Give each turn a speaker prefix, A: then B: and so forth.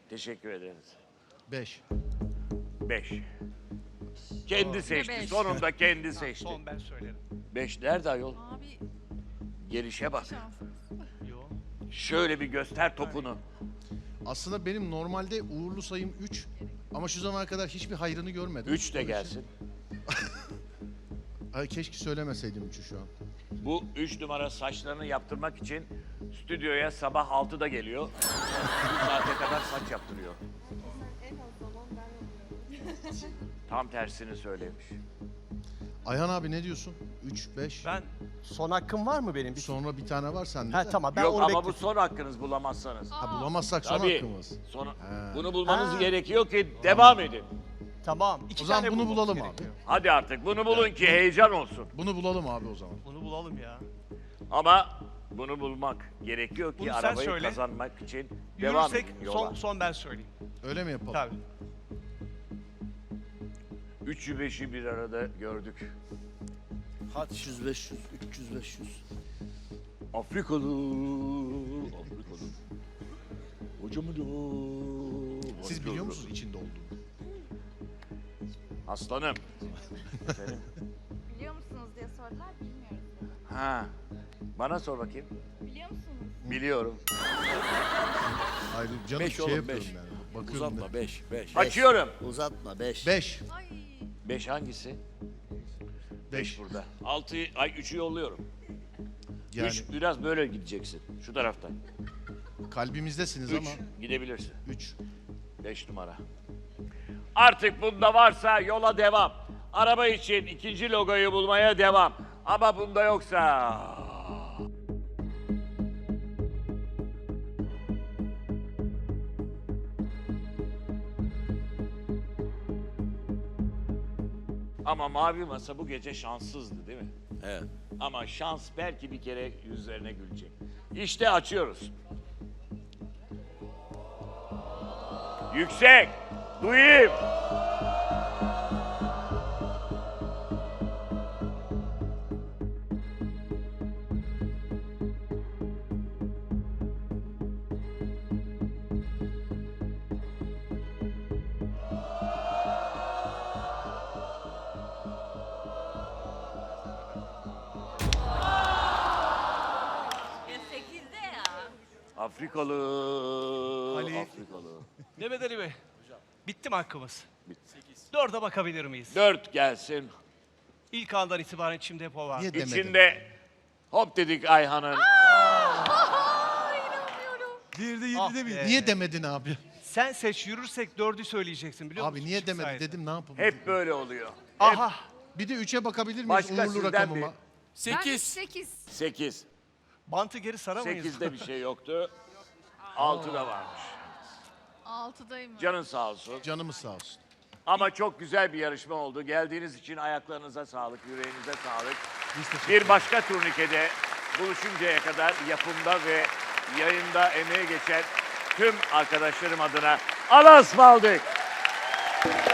A: Teşekkür ederiz.
B: 5.
A: 5. Kendi seçti.
C: beş?
A: Sonunda kendi seçti.
D: Son ben söylerim.
A: 5 nerede ayol?
C: Abi
A: Gelişe bak.
C: şanssız.
D: Yo.
A: Şöyle bir göster topunu.
B: Aslında benim normalde uğurlu sayım 3 ama şu zamana kadar hiçbir hayrını görmedim.
A: 3 de gelsin.
B: Ay, keşke söylemeseydim 3'ü şu an.
A: Bu 3 numara saçlarını yaptırmak için stüdyoya sabah 6'da geliyor. Bu saate kadar saç yaptırıyor. Tam tersini söylemiş.
B: Ayhan abi ne diyorsun? 3, 5.
D: Ben
E: Son hakkım var mı benim?
B: Sonra bir tane var sende
E: Ha
B: de.
E: tamam ben
A: Yok
E: onu
A: ama bu
E: bekledim.
A: son hakkınız bulamazsanız.
B: Ha, bulamazsak son
A: Tabii.
B: hakkımız.
A: Sonra
B: He.
A: bunu bulmanız
E: Ha.
A: gerekiyor ki devam edin.
E: Tamam.
D: iki
B: O zaman
D: tane
B: bunu
D: bulmamız
B: bulalım
D: gerekiyor.
A: Hadi artık bunu bulun ki heyecan olsun.
B: Bunu bulalım abi o zaman.
D: Bunu bulalım ya.
A: Ama bunu bulmak gerekiyor ki
D: Bunu sen
A: arabayı
D: söyle.
A: kazanmak için devam
D: Yürürsek
A: edin yola.
D: son ben söyleyeyim.
B: Öyle mi yapalım?
D: Tabii.
A: 3'ü 5'i bir arada gördük.
F: Hadi 300, 500, 300, 500.
A: Afrikalı. Hocamı da.
B: Siz biliyor musunuz içinde olduğunu?
A: Aslanım. Efendim?
C: Biliyor musunuz diye sordular, bilmiyoruz.
A: Ha. Bana sor bakayım.
C: Biliyor musunuz?
A: Biliyorum.
B: Hayır canım
F: 5
B: şey
F: oğlum
B: yapıyorum
F: 5.
B: yani. Bakıyorum
F: Uzatma 5, 5.
A: Açıyorum.
F: Uzatma 5.
B: 5.
C: Ay
A: 5 hangisi?
B: 5.
A: Burada. 6 ay 3'ü yolluyorum.
B: Yani
A: 3 biraz böyle gideceksin. Şu taraftan.
B: kalbimizdesiniz
A: 3
B: ama
A: gidebilirsin.
B: 3.
A: 5 numara. Artık bunda varsa yola devam. Araba için ikinci logoyu bulmaya devam. Ama bunda yoksa... Ama mavi masa bu gece şanssızdı değil mi?
F: Evet.
A: Ama şans belki bir kere yüzlerine gülecek. İşte açıyoruz. Yüksek. Duyayım.
C: ya 8'de ya.
A: Afrikalı.
D: Ali.
A: Afrikalı.
D: Mehmet Ali Bey. Bitti mi hakkımız?
A: Bitti.
D: 4'e bakabilir miyiz?
A: 4 gelsin.
D: İlk andan itibaren içimde hep o var.
B: Niye demedin?
A: İçinde hop dedik Ayhan'ın.
B: Diğeri de
D: Ah be.
B: Niye demedin abi?
D: Sen seç yürürsek 4'ü söyleyeceksin biliyor musun?
B: Abi niye
D: Çift
B: demedin
D: sayede.
B: dedim ne yapalım?
A: Hep böyle oluyor.
D: Aha.
B: Bir de 3'e bakabilir miyiz
A: Başka
B: uğurlu
A: sizden
B: rakamıma?
C: Ben
F: 8.
C: 8.
A: 8.
D: Bantı geri saramayız.
A: 8'de bir şey yoktu. 6'da varmış.
C: 6'dayım.
A: Canın sağ olsun.
B: Canımız sağ olsun.
A: Ama çok güzel bir yarışma oldu. Geldiğiniz için ayaklarınıza sağlık, yüreğinize sağlık.
B: Biz teşekkür
A: Bir başka turnikede buluşuncaya kadar yapımda ve yayında emeği geçen tüm arkadaşlarım adına Allah'a ısmarladık.